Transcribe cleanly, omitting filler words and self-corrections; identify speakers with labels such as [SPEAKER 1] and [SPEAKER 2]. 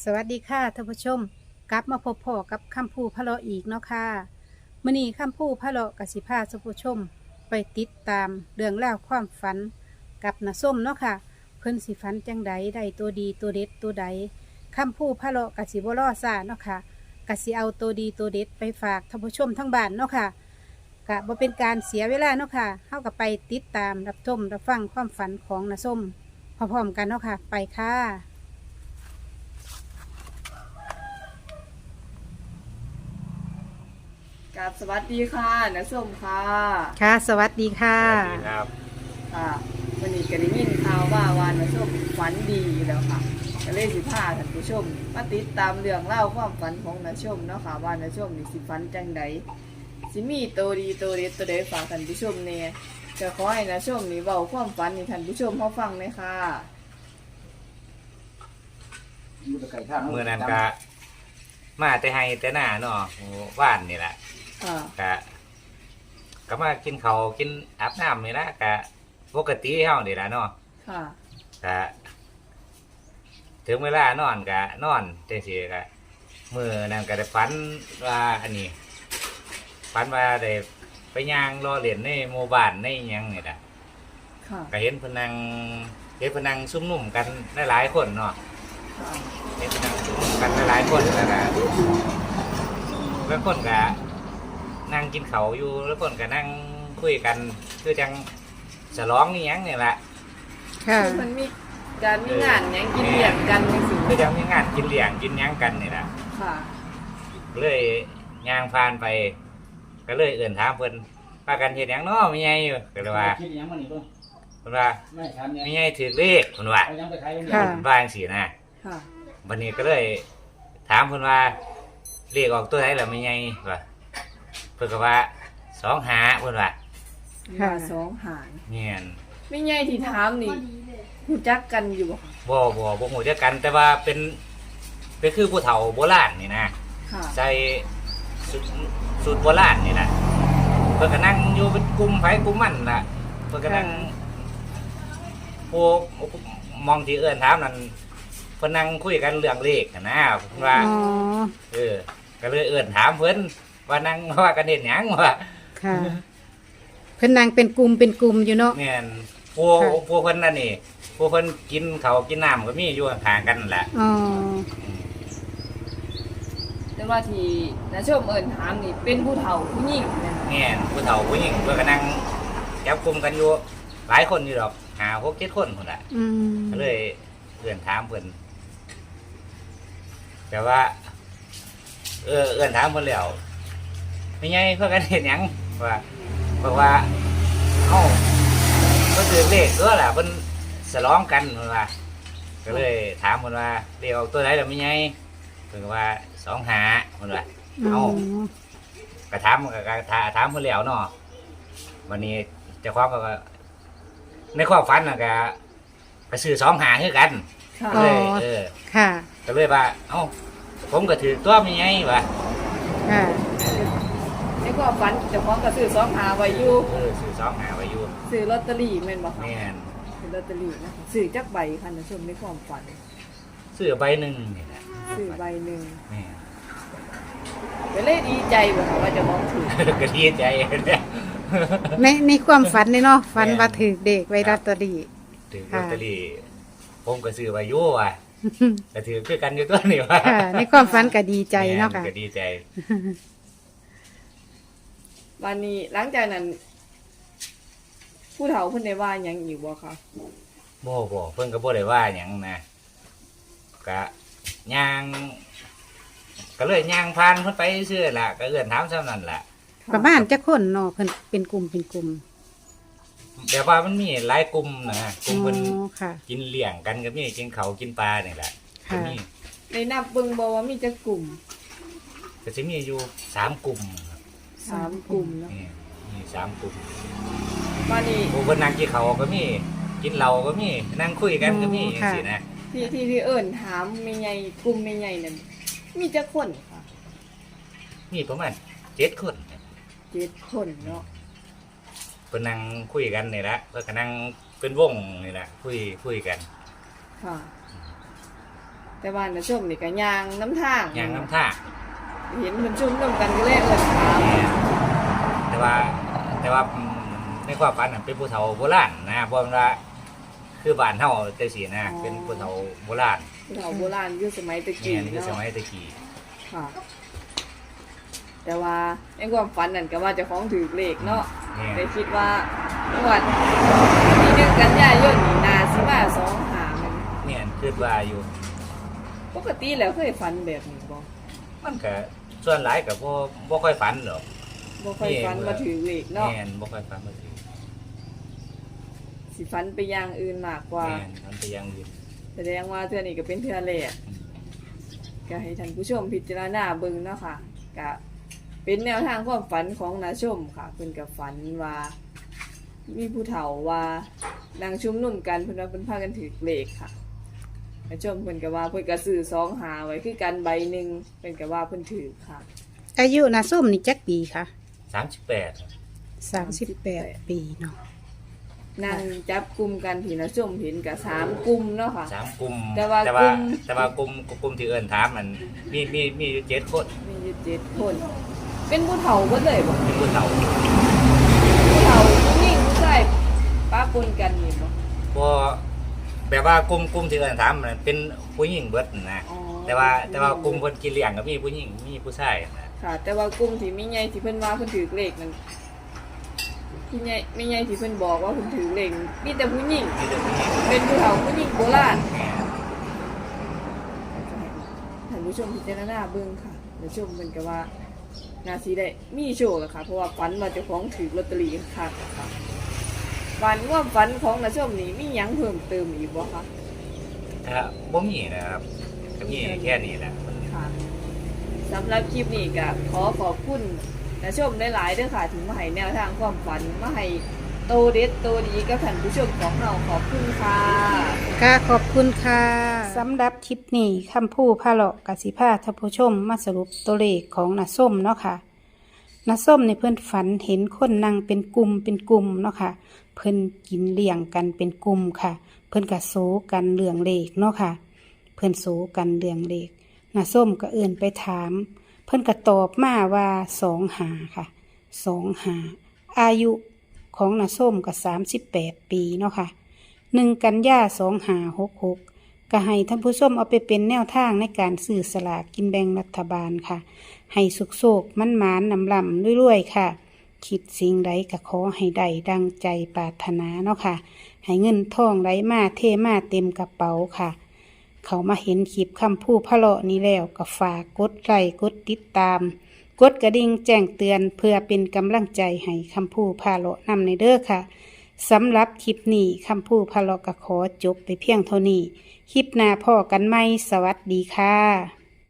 [SPEAKER 1] สวัสดีค่ะท่านผู้ชมกลับมาพบพ่อกับคำพูพะเลาะอีกเนาะค่ะมื้อนี้คำพูพะเลาะกสิพาท่านผู้ชมไปติดตามเรื่องราวความฝันกับน้าส้มเนาะค่ะเพิ่นสิฝันจังใดได้ตัวดีตัวเด็ดตัวใดคำพูพะเลาะกสิบ่รอซ่าเนาะค่ะกสิเอาตัวดีตัวเด็ดไปฝากท่านผู้ชมทั้งบ้านเนาะค่ะกะบ่เป็นการเสียเวลาเนาะค่ะเฮาก็ไปติดตามรับชมรับฟังความฝันของน้าส้มพร้อมๆกันเนาะค่ะไปค่ะ
[SPEAKER 2] กับสวัสดีค่ะน้าส้มค่ะ
[SPEAKER 1] ค่ะสวัสดีค่ะ
[SPEAKER 3] สวัสดีครับ
[SPEAKER 2] ค่ะวันนี้ก็ได้ยินข่าวว่าน้าส้มฝันดีแล้วค่ะก็เลยสิพาท่านผู้ชมมาติดตามเรื่องเล่าวความฝันของน้าส้มเนาะค่ะว่าน้าส้มนี่สิฝันจังใดสิมีตัวดีตัวเด็ดตัวใดฝากท่านผู้ชมเนี่ยก็ขอให้น้าส้มนี่เว้าความฝันให้ท่านผู้ชมเขาฟังเลยค่ะ
[SPEAKER 3] เมื่อนั้นก็มาแต่ให้แต่หน้าเนาะว่านนี่แหละ
[SPEAKER 2] ค่ะ
[SPEAKER 3] ก็มากินเขาวกินอาบน้ำนี่ละก็ปกติเฮานี่ละเนาะ
[SPEAKER 2] ค่ะ
[SPEAKER 3] ก็ถึงเวลานอนก็นอนจังซี่ก็มื้อนั้นก็ได้ฝันว่าอันนี้ฝันว่าได้ไปย่างรอเล่นในหมู่บ้านในหยังนี่ล่ะ
[SPEAKER 2] ค่ะ
[SPEAKER 3] ก็เห็นเพิ่นนั่งซุ่มนุ่มกันหลายๆคนเนาะ
[SPEAKER 2] ค่ะ
[SPEAKER 3] เห็นนั่งซุ่มนุ่มกันหลายๆคนแล้วก็แล้วคนก็นั่งกินเขาวอยู่แล้วคนก็นั่งคุยกันคือจังฉลองนี่หยังนี่แหละ
[SPEAKER 1] ค่ะ
[SPEAKER 2] คือมันมีการมีงานหยังกินเลี้ยงกันจังซี่
[SPEAKER 3] คือจังมีงานกินเลี้ยงกินหยังกันนี่แหละ
[SPEAKER 2] ค่ะ
[SPEAKER 3] เลยย่างผ่านไป ก็เลยเอื่นถามเพิ่นพากันเฮ็ดหยังเนาะมีไงอยู่ก็เลยว่า
[SPEAKER 4] คิดยังมันนี่เพิ่น
[SPEAKER 3] เพิ่นว่า
[SPEAKER 4] ไม่ทันเนี่ย
[SPEAKER 3] มีไงถือเลขเพิ่นว่า
[SPEAKER 4] เอายังไปขายยัง
[SPEAKER 1] ค่ะ
[SPEAKER 3] เพิ่นว่าจังซี่นะ
[SPEAKER 2] ค่ะ
[SPEAKER 3] วันนี้ก็เลยถามเพิ่นว่าเลขออกตัวไหนล่ะมีไงว่าเพิ่นก็ว่า25เพิ่นว่า
[SPEAKER 2] ค่ะสองหาร
[SPEAKER 3] เนียน
[SPEAKER 2] ไม่ใหญ่ที่ถามนี่รู้จักกันอยู่บ่คะ
[SPEAKER 3] บ่ฮู้จักกันแต่ว่าเป็นคือผู้เฒ่าโบราณนี่นะ
[SPEAKER 2] ค่ะ
[SPEAKER 3] ใส่สูตรโบราณนี่นะเพิ่นก็นั่งอยู่เป็นกลุ่มไผกลุ่มมันล่ะเพิ่นก็นั่งผู้มองที่เอื้อนถามนั่นเพิ่นนั่งคุยกันเรื่องเลขนะเพิ่นว่า
[SPEAKER 1] อ๋อ
[SPEAKER 3] ก็เลยเอื้อนถามเพิ่นว่านั่งว่ากันเฮ็ดหยังว่า
[SPEAKER 1] ค่ะเพิ่นนางเป็นกลุ่มอยู่เนาะ
[SPEAKER 3] แม่นผู้
[SPEAKER 1] ค่ะ
[SPEAKER 3] ผู้เพิ่นนั่นนี่ผู้เพิ่นกินข้าวกินน้ำก็มีอยู่ห่างๆกันนั่นแหละ
[SPEAKER 1] อ๋อ
[SPEAKER 2] แต่ว่าที่น้าชมเอิ้นถามนี่เป็นผู้เฒ่าผู้หญิงแม่นบ่
[SPEAKER 3] แม่นผู้เฒ่าผู้หญิงเพิ่นก็นั่งจับกลุ่มกันอยู่หลายคนอยู่ดอก5 6 7คนพุ่นน่ะ
[SPEAKER 1] อืม
[SPEAKER 3] ก็เลยเอื้อนถามเพิ่นแต่ว่า เอื้อนถามเพิ่นแล้วไม่ไงเพื่อกันเห็นหยังว่าบอกว่าเอ้าเพิ่นถือเลขตัวล่ะเพิ่นฉลองกันเพิ่นว่า ก็เลยถามเพิ่นว่าเลขออกตัวไหนล่ะไม่ไงเพิ่นก็ว่า25เพิ่นว่า
[SPEAKER 1] อ๋อ
[SPEAKER 3] ก็ถามถามเพิ่นแล้วเนาะวันนี้เจ้าของก็ในความฝันน่ะก็ซื้อ25คือกัน
[SPEAKER 2] ค่ะ
[SPEAKER 3] ก็เลย
[SPEAKER 1] ค่ะ
[SPEAKER 3] ก็เลยว่าเอ้าผมก็ถือตัวมีไงวะ
[SPEAKER 1] ค่ะ
[SPEAKER 2] ในความฝันเจ้าของก็ซื้อ2หาไว้อยู่
[SPEAKER 3] ซื้อ25ไว้อยู่
[SPEAKER 2] ซื้อลอตเตอรี่แม่นบ่คะ
[SPEAKER 3] แม่น
[SPEAKER 2] ซื้อลอตเตอรี่นะคะซื้อจักใบค่ะน้าชมในความฝัน
[SPEAKER 3] ซื้อใบหนึ่งนี่แหละ
[SPEAKER 2] ซื้อใบหนึง
[SPEAKER 3] แม่น
[SPEAKER 2] ก็เลยดีใจบ่คะว่าเจะมองถูก
[SPEAKER 3] ก็ดีใจเนี่ย
[SPEAKER 1] ในความฝันนี่เนาะฝันว่าถือเด็กไว้ลอตเตอรี่
[SPEAKER 3] ถือล
[SPEAKER 1] ค่ะ
[SPEAKER 3] อตเตอรี่ผมก็ซื้อไว้อยู่ว่ะก็ถือคือกันอยู่ตัวนี่ว่ะ
[SPEAKER 1] ค่ะ ในความฝันก็ดีใจเนาะค่ะ
[SPEAKER 3] แม่ก็ดีใจ
[SPEAKER 2] วันนี้หลังจากนั้น ผู้เฒ่าเพิ่นได้ว่าหยังอีกบ่คะ
[SPEAKER 3] บ่เพิ่นก็บ่ได้ว่าหยังนะก็ย่างก็เลยย่างผ่านเพิ่นไปซื่อล่ะก็เอื้อนถามซ้ำนั่นล่ะ
[SPEAKER 1] ประมาณจักคนเนาะเพิ่นเป็นกลุ่มเป็นกลุ่ม
[SPEAKER 3] แต่ว่ามันมีหลายกลุ่มนะก
[SPEAKER 1] อ๋
[SPEAKER 3] ลุ่มเพิ่น
[SPEAKER 1] อค่ะ
[SPEAKER 3] กินเลี้ยงกันก็มีกินเขาวกินปลานี่แหละก็
[SPEAKER 1] ค่ะ
[SPEAKER 3] มี
[SPEAKER 2] ได้นับเบิ่งบ่ว่ามีจักกลุ่ม
[SPEAKER 3] ก็สิมีอยู่3กลุ่มครับ
[SPEAKER 2] 3กลุ่มเนาะ
[SPEAKER 3] นี่มี3กลุ่ม
[SPEAKER 2] วันนี้
[SPEAKER 3] ผู้เพิ่นนั่งกินเขาวก็มีกินเหล้าก็มีนั่งคุยกันก็มี
[SPEAKER 1] ค่ะ
[SPEAKER 3] สินะ
[SPEAKER 2] ที่เอิ้นถามแม่ใหญ่กลุ่มแม่ใหญ่นั่นมีจักคนค่ะ
[SPEAKER 3] มีประมาณ7คน
[SPEAKER 2] 7คนเนาะ
[SPEAKER 3] เพิ่นนั่งคุยกันนี่แหละเพิ่นก็นั่งเป็นวงนี่แหละคุยกัน
[SPEAKER 2] ค่ะแต่ว่านะชมนี่ก็ย่างน้ำทาง
[SPEAKER 3] อย่างน้ำท่า
[SPEAKER 2] เห็นมันชุ่มน้ำกันก็เลยเอิ้นถาม
[SPEAKER 3] แม่นแต่ว่าในความฝันน่ะเป็นผู้เฒ่าโบราณนะเพราะว่าคือบ้านเฮาจังซี่นะเป็นผู้เฒ่าโบราณ
[SPEAKER 2] ผู้เฒ่าโบราณอยู่สมัยตะ
[SPEAKER 3] แม่
[SPEAKER 2] กี้
[SPEAKER 3] นคือส
[SPEAKER 2] เนาะ
[SPEAKER 3] มัยตะกี้
[SPEAKER 2] ค่ะ แต่ว่าในความฝันนั่นก็ว่าเจะของถือเลขเนาะ
[SPEAKER 3] แม่น
[SPEAKER 2] ได้คิดว่างวดที่1กันยายนนี่นาสิมา2หามัน
[SPEAKER 3] แม่นคิดว่าอยู่
[SPEAKER 2] ปกติแล้วเคยฝันแบบนี้บ่
[SPEAKER 3] มันก็ส่วนหลายก็บ่ค่อยฝันหรอก
[SPEAKER 2] บ่ค่อยฝันว่าถือเลขเนาะ
[SPEAKER 3] แม่นบ่ค่อยฝันมาสิ
[SPEAKER 2] สิฝันไปอย่างอื่นมากกว่า
[SPEAKER 3] แม่นมันไปอยังอื่น
[SPEAKER 2] แสดงว่าเทื่อนี้ก็เป็นเทื่อแรกก็ให้ท่านผู้ชมพิจารณาเบิ่งเนาะค่ะก็เป็นแนวทางความฝันของนาชมค่ะเพิ่นก็ฝันว่า มีผู้เฒ่าว่านางชุมนุมกันเพิ่นว่าเพิ่นพากันถือเลขค่ะนาชมเพิ่นก็ว่าเพิ่นก็ซื้อ2หาไว้คือกันใบหนึงเพิ่นก็ว่าเพิ่นถือค่ะ
[SPEAKER 1] อายุนาส้มนี่จักปีค่ะ
[SPEAKER 3] 38
[SPEAKER 1] 38 ปีเนาะ
[SPEAKER 2] นั่งจับกลุ่มกันที่นาชมเห็นก็3กลุ่มเนาะค่ะ
[SPEAKER 3] 3กลุ่ม
[SPEAKER 2] แต่ว่าก
[SPEAKER 3] ลุ่มที่เอิ้นถามมันมีอยู่7คน
[SPEAKER 2] มีอยู่7คน เป็นผู้เฒ่าเบิดเลยบ่
[SPEAKER 3] เป็นผู้เฒ่า
[SPEAKER 2] ผู้เฒ่าผู้หญิงผู้ชายป้าปนกันนี่บ่
[SPEAKER 3] บ่แบบว่ากลุ่มที่เอิ้นถามมันเป็นผู้หญิงเบิดนะ
[SPEAKER 2] อ๋อ
[SPEAKER 3] แต่ว่ากลุ่มเพิ่นกินเลี้ยงก็มีผู้หญิงมีผู้ชายนะ
[SPEAKER 2] ค่ะ แต่ว่ากลุ่มที่มีใหญ่ที่เพิ่นว่าเพิ่นถือเลขนั่นที่ใหญ่มีใหญ่ที่เพิ่นบอกว่าเพิ่นถือเลขมีแต่ผู้หญิง
[SPEAKER 3] มีแต่ผู้หญิง
[SPEAKER 2] เป็นผู้เฒ่าผู้หญิงโบราณ
[SPEAKER 3] แม่
[SPEAKER 2] ท่านผู้ชมพิจารณาเบิ่งค่ะท่านผู้ชมเพิ่นก็ว่านาสิได้มีโชคล่ะค่ะเพราะว่าฝันว่าเจ้าของถือลอตเตอรี่ค่ะฝันว่าฝันของนาชมนี่มีหยังเพิ่มเติมอีกบ่คะ
[SPEAKER 3] บ่มีนะครับก็มีแค่นี้แหละ
[SPEAKER 2] ค่ะสำหรับคลิปนี้ก็ขอบคุณนาชมหลายๆเด้อค่ะถึงมาให้แนวทางความฝันมาให้โตเด็ดโตดีกับท่านผู้ชมของเราขอบคุณค่ะ
[SPEAKER 1] ค่ะขอบคุณค่ะสำหรับคลิปนี้คำพูพาเลาะกสิพาท่านผู้ชมมาสรุปตัวเลขของนาส้มเนาะค่ะนาส้มในเพื่อนฝันเห็นคนนั่งเป็นกลุ่มเนาะค่ะเพิ่นกินเลี้ยงกันเป็นกลุ่มค่ะ เพิ่นกะโซกันเรื่องเลขเนาะค่ะ เพิ่นโซกันเรื่องเลขนาส้มก็เอื่นไปถาม เพิ่นก็ตอบมาว่า2 หาค่ะ2 หาอายุของนาส้มก็38 ปีเนาะค่ะ1 กันยา2566ก็ให้ท่านผู้ชมเอาไปเป็นแนวทางในการซื้อสลากกินแบ่งรัฐบาลค่ะ ให้สุกโศกมันหมานนำลำรวยๆค่ะ คิดสิ่งใดก็ขอให้ได้ดังใจปรารถนาเนาะค่ะ ให้เงินทองไหลมาเทมาเต็มกระเป๋าค่ะ เขามาเห็นคลิปคำพูพะเลาะนี้แล้วก็ฝากกดไลค์กดติดตาม กดกระดิ่งแจ้งเตือนเพื่อเป็นกำลังใจให้คำพูพะเลาะนำในเด้อค่ะสำหรับคลิปนี้คำพูพะเลาะก็ขอจบไปเพียงเท่านี้ คลิปหน้าพ่อกันไหมสวัสดีค่ะ